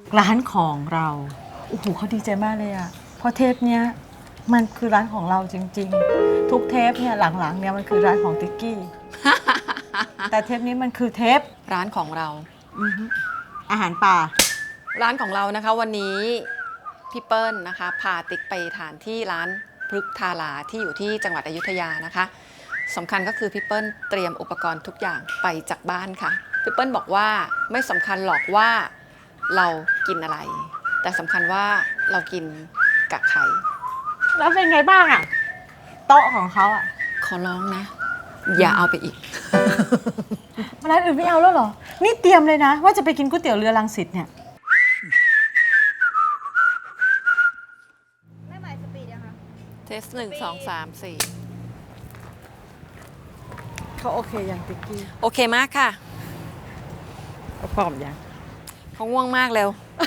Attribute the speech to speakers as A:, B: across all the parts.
A: ร้านของเราโอ้โหเขาดีใจมากเลยอะเพราะเทปเนี้ยมันคือร้านของเราจริงๆทุกเทปเนี่ยหลังๆเนี่ยมันคือร้านของติ๊กกี้ แต่เทปนี้มันคือเทป
B: ร้านของเรา
A: อาหารป่า
B: ร้านของเรานะคะวันนี้พี่เปิ้ลนะคะพาติ๊กไปทานที่ร้านพฤกทาราที่อยู่ที่จังหวัดอยุธยานะคะสำคัญก็คือพี่เปิ้ลเตรียมอุปกรณ์ทุกอย่างไปจากบ้านค่ะพี่เปิ้ลบอกว่าไม่สำคัญหรอกว่าเรากินอะไร แต่สำคัญว่าเรากินกับใคร
A: แล้วเป็นไงบ้างอะโต๊ะของเขาอะ
B: ขอร้องนะ อย่าเอาไปอีก
A: ร้านอื่นไม่เอาแล้วเหรอนี่เตรียมเลยนะว่าจะไปกินก๋วยเตี๋ยวเรือรังสิตเนี่ย
C: แม่หมายสปีดยังคะ
B: เทส1 2 3 4
A: เขาโอเคยังติ๊กกี้
B: โอเคมากค่ะ
A: เขาพร้อมยัง
B: เขาง่วงมากเร็ว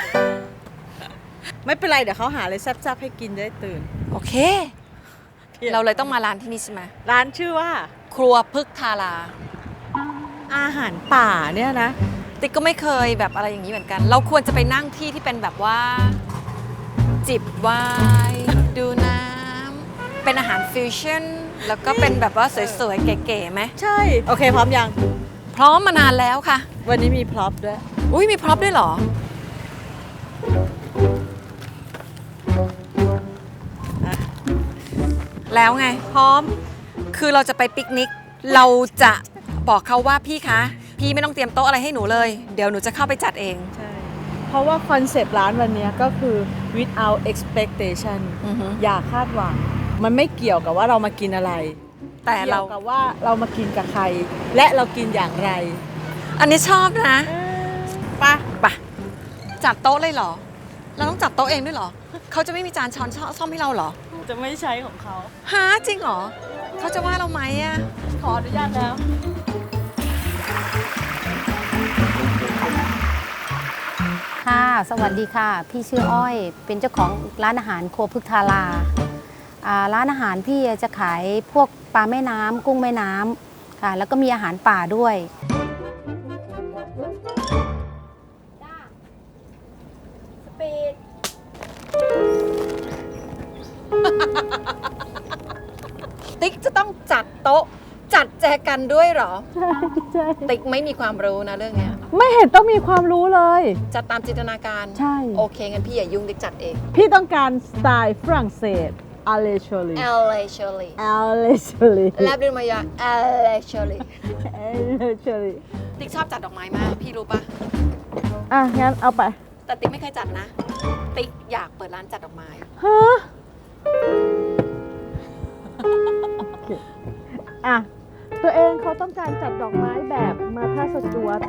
A: ไม่เป็นไรเดี๋ยวเขาหาอะไรแซ่บๆให้กินได้ตื่น
B: โอเค เราเลยต้องมาร้านที่นี่ใช่ไหม
A: ร้านชื่อว่า
B: ครัวพฤกทารา
A: อาหารป่าเนี่ยนะ
B: ติ๊กก็ไม่เคยแบบอะไรอย่างนี้เหมือนกัน เราควรจะไปนั่งที่ที่เป็นแบบว่า จิบไวน์ดูน้ำเป็นอาหารฟิวชั่นแล้วก็เป็นแบบว่าสวยๆ เก๋ๆไหม
A: ใช่ โอเคพร้อมยัง
B: พร้อมมานานแล้วค่ะ
A: วันนี้มีพร็อพด้วย
B: อุ้ยมีพร็อพด้วยเหรอ แล้วไง
A: พร้อม
B: คือเราจะไปปิกนิก เราจะบอกเขาว่าพี่คะ พี่ไม่ต้องเตรียมโต๊ะอะไรให้หนูเลย เดี๋ยวหนูจะเข้าไปจัดเอง
A: ใช่ เพราะว่าคอนเซปต์ร้านวันนี้ก็คือ without expectation
B: อือฮึ
A: อย่าคาดหวัง มันไม่เกี่ยวกับว่าเรามากินอะไร
B: แต่เรา
A: กี่ยวกับว่าเรามากินกับใคร และเรากินอย่างไร
B: อันนี้ชอบนะ
A: ปะ
B: ไปจัดโต๊ะเลยเหรอ เราต้องจัดโต๊ะเองด้วยเหรอ เขาจะไม่มีจานช้อนซ่อมให้เราเหรอ
A: จะไม่ใช้ของเขา
B: ฮะจริงเหรอ เขาจะว่าเราไหมอะ
A: ขออนุญาตแล้ว
C: ค่ะ สวัสดีค่ะ พี่ชื่ออ้อย เป็นเจ้าของร้านอาหารครัวพฤกทาราร้านอาหารพี่จะขายพวกปลาแม่น้ำกุ้งแม่น้ำค่ะ แล้วก็มีอาหารป่าด้วย สปีด
B: ติ๊กจะต้องจัดโต๊ะ จัดแจกันด้วยเหรอ
A: ใช่
B: ติ๊กไม่มีความรู้นะเรื่องเนี้ย
A: ไม่เห็นต้องมีความรู้เลย
B: จัดตามจินตนาการ
A: ใช่
B: โอเคงั้นพี่อย่ายุ่งติ๊กจัดเอง
A: พี่ต้องการสไตล์ฝรั่งเศสอาเลชอลี
B: เอลเลชอรี่
A: อาเลชอลี
B: แลบดินมายาเอลเลชอรี่
A: อาเลชอลี
B: ติ๊กชอบจัดดอกไม้มาก พี่รู้ปะ
A: อ่ะ งั้นเอาไป
B: แต่ติ๊กไม่เคยจัดนะ ติ๊กอยากเปิดร้านจัดดอกไม้
A: ฮะโอเคอ่ะ ตัวเองเขาต้องการจัดดอกไม้แบบมาท่าสจวต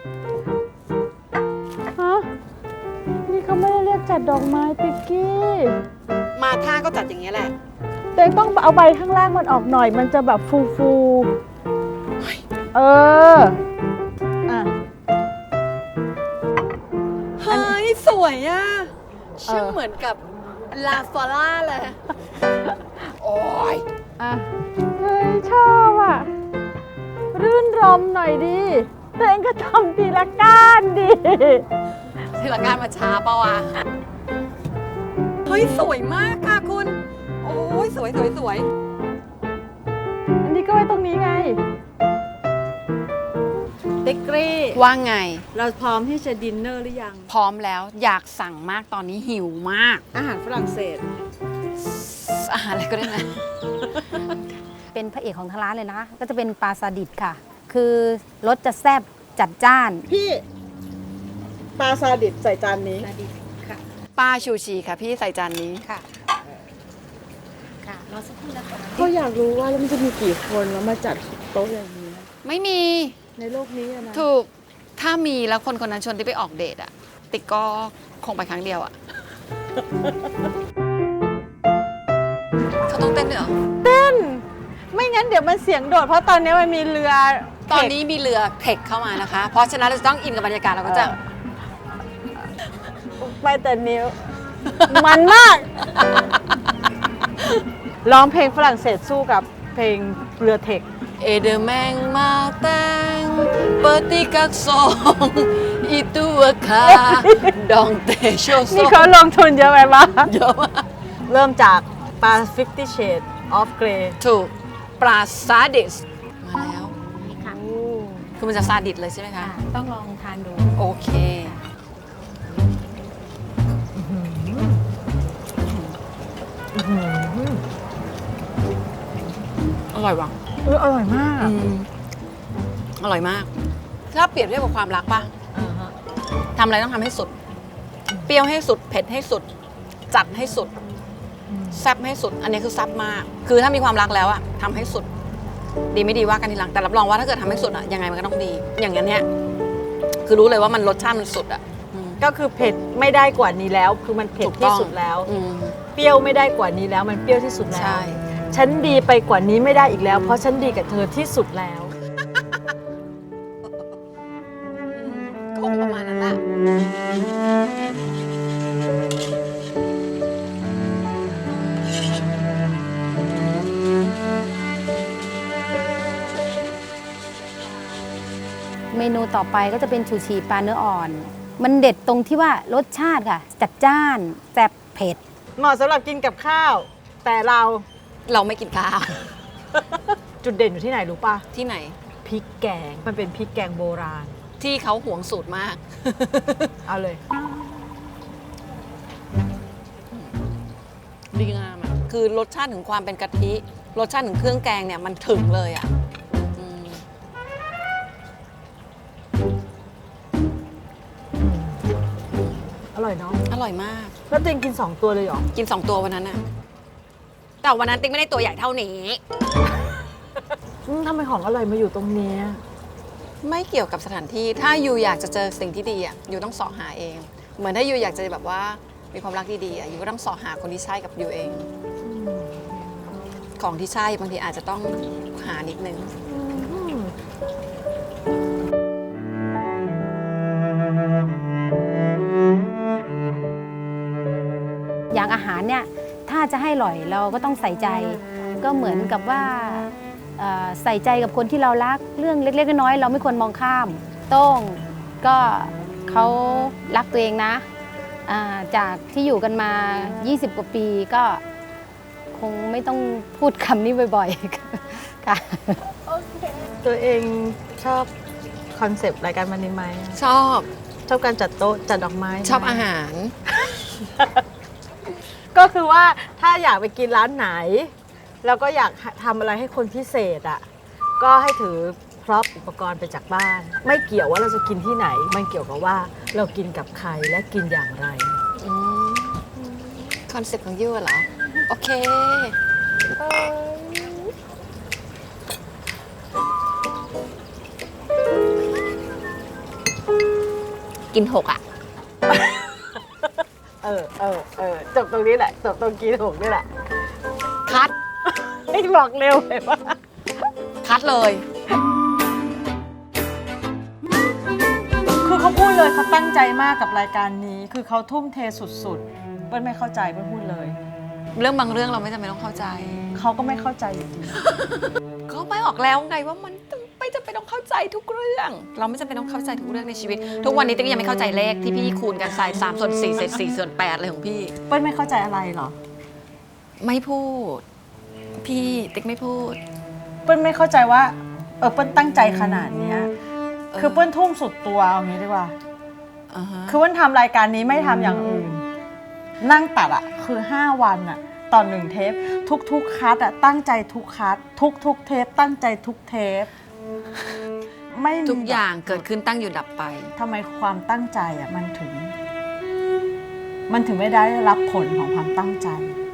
A: ฮะ นี่เขาไม่ได้เรียกจัดดอกไม้ติ๊กกี้
B: มาท่าก็จัดอย่างเงี้ยแหละ
A: แต่ต้องเอาใบข้างล่างมันออกหน่อย มันจะแบบฟูๆเออ อ่ะ
B: เฮ้ย สวยอ่ะชื่อเหมือนกับลาฟาร่าเลย โอ้ย
A: อ่ะ เฮ้ย ชอบอ่ะ รื่นรมหน่อยดิตัวเองก็ทำทีละก้านดิ
B: ทีละการมาช้าเปล่าวะ เฮ้ย สวยมากค่ะคุณ โอ้ย สวย
A: อันนี้ก็ไว้ตรงนี้ไงติ๊กกี้
B: ว่าไง
A: เราพร้อมที่จะดินเนอร์หรือยัง
B: พร้อมแล้วอยากสั่งมากตอนนี้หิวมาก
A: อาหารฝรั่งเศส
B: อาหารอะไรก็ได้นะ
C: เป็นพระเอกของทางร้านเลยนะคะ ก็จะเป็นปลาซาดิบค่ะ คือรสจะแซ่บจัดจ้าน
A: พี่ปลาซาดิบใส่จานนี้
C: ซาดิบค่ะ
B: ปลาชูชีค่ะพี่ใส่จานนี้
C: ค่ะ ค่ะรอสักครู่นะคะ
A: เขาอยากรู้ว่าแล้วมันจะมีกี่คนแล้วมาจัดโต๊ะอย่างนี้
B: ไม่มี
A: ในโลกนี้อะนะ
B: ถูก ถ้ามีแล้วคนคนนั้นชวนที่ไปออกเดทอะติ๊กก็คงไปครั้งเดียวอะเขาต้องเต้นด้วยเหรอ
A: ไม่งั้นเดี๋ยวมันเสียงโดดเพราะตอนนี้มันมีเรือ
B: ตอนนี้มีเรือเทคเข้ามานะคะ เพราะฉะนั้นเราจะต้องอินกับบรรยากาศเราก็จะ
A: ไปแต่นิ้ว มันมาก ร้องเพลงฝรั่งเศสสู้กับเพลงเรือเทค
B: Ede meng mateng peti kaksong itu ka ดองเตโชโซ
A: นี่เขาลงทุนเยอะไหมบ้าง
B: เยอะมาก
A: เริ่มจากปลา 50 Shades of Grey
B: ถูกปลาซาดิสมาแล้ว
C: ค่ะ
B: คือมันจะซาดิสเลยใช่ไหมคะ
C: ต้องลองทานดู
B: โอเค อร่อยว่ะ
A: อร่อยมาก
B: อร่อยมาก ถ้าเปรียบเทียบกับความรักป่ะทำอะไรต้องทำให้สุด เปรี้ยวให้สุด เผ็ดให้สุด จัดให้สุด แซ่บให้สุด อันนี้คือแซ่บมาก คือถ้ามีความรักแล้วอะทำให้สุด ดีไม่ดีว่ากันทีหลัง แต่รับรองว่าถ้าเกิดทำให้สุดอะยังไงมันก็ต้องดี อย่างนี้นเนี่ย คือรู้เลยว่ามันรสชาติมันสุดอะ
A: ก็คือเผ็ดไม่ได้กว่านี้แล้ว คือมันเผ็ด
B: ถูกต้
A: ที่
B: อง
A: สุดแล้ว
B: อืม
A: เปรี้ยวไม่ได้กว่านี้แล้ว มันเปรี้ยวที่สุดแล้ว
B: ใช่
A: ฉันดีไปกว่านี้ไม่ได้อีกแล้ว เพราะฉันดีกับเธอที่สุดแล้ว
B: ก็คงประมาณนั้นแหละ
C: เมนูต่อไปก็จะเป็นชูชีปลาเนื้ออ่อน มันเด็ดตรงที่ว่ารสชาติค่ะ จัดจ้านแซ่บเผ็ด
A: เหมาะสำหรับกินกับข้าว แต่เรา
B: เราไม่กินข้าว
A: จุดเด่นอยู่ที่ไหนรู้ป่ะ
B: ที่ไหน
A: พริกแกง มันเป็นพริกแกงโบราณ
B: ที่เขาหวงสูตรมาก
A: เอาเลย
B: ดีงามอ่ะ คือรสชาติถึงความเป็นกะทิ รสชาติถึงเครื่องแกงเนี่ยมันถึงเลยอ่ะอืม
A: อร่อยเนาะ
B: อร่อยมาก
A: แล้วตัวเองกิน 2 ตัวเลยเหรอ
B: กิน 2 ตัววันนั้นน่ะ แต่วันนั้นติ๊กไม่ได้ตัวใหญ่เท่านี้
A: ทำไมของอร่อยมาอยู่ตรงเนี้ย
B: ไม่เกี่ยวกับสถานที่ ถ้ายูอยากจะเจอสิ่งที่ดีอ่ะยูต้องเสาะหาเอง เหมือนถ้ายูอยากจะแบบว่ามีความรักดีๆอ่ะยูก็ต้องเสาะหาคนที่ใช่กับยูเอง ของที่ใช่บางทีอาจจะต้องหานิดนึง
C: อย่างอาหารเนี่ยถ้าจะให้อร่อยเราก็ต้องใส่ใจ ก็เหมือนกับว่าใส่ใจกับคนที่เรารักเรื่องเล็กๆน้อยๆเราไม่ควรมองข้ามโต้งก็เขารักตัวเองนะจากที่อยู่กันมา 20 กว่าปีก็คงไม่ต้องพูดคำนี้บ่อยๆ ค่ะ
A: ตัวเองชอบคอนเซปต์รายการวันนี้ไหม
B: ชอบ
A: ชอบการจัดโต๊ะจัดดอกไม้ไหม
B: ชอบอาหาร
A: ก็คือว่าถ้าอยากไปกินร้านไหน แล้วก็อยากทำอะไรให้คนพิเศษอ่ะก็ให้ถือพร็อพอุปกรณ์ไปจากบ้าน ไม่เกี่ยวว่าเราจะกินที่ไหน มันเกี่ยวกับว่าเรากินกับใครและกินอย่างไร
B: คอนเซ็ปต์ของยูเหรอ โอเค กิน6อ่ะ
A: จบตรงนี้แหละจบตรงกินหกนี่แหละ
B: คัด
A: ไม่บอกเร็วเลยว่า
B: คัดเลย
A: คือเขาพูดเลยเขาตั้งใจมากกับรายการนี้ คือเขาทุ่มเทสุดๆเปิ้ลไม่เข้าใจเปิ้ลพูดเลย
B: เรื่องบางเรื่องเราไม่จำเป็นต้องเข้าใจ
A: เขาก็ไม่เข้าใจอยู่ดี
B: เขาไม่ออกแล้วไงว่ามันไม่จำเป็นต้องเข้าใจทุกเรื่อง เราไม่จำเป็นต้องเข้าใจทุกเรื่องในชีวิต ทุกวันนี้ติ๊กยังไม่เข้าใจเลขที่พี่คูณกันใส่3 ส่วน 4 เศษ 4 ส่วน 8อะไรของพี่
A: เปิ้ลไม่เข้าใจอะไรเหรอ
B: ไม่พูด พี่ติ๊กไม่พูด
A: เปิ้ลไม่เข้าใจว่าเปิ้ลตั้งใจขนาดเนี้ยคือเปิ้ลทุ่มสุดตัวเอางี้ดีกว่า คือเปิ้ลทำรายการนี้ไม่ทำอย่างอื่น นั่งตัดอะคือ5 วันอะต่อ1 เทปทุกๆคัดอะตั้งใจทุกคัดทุกเทปตั้งใจทุกเทปไม่มี
B: ทุกอย่างเกิดขึ้นตั้งอยู่ดับไป
A: ทำไมความตั้งใจอะมันถึงไม่ได้รับผลของความตั้งใจ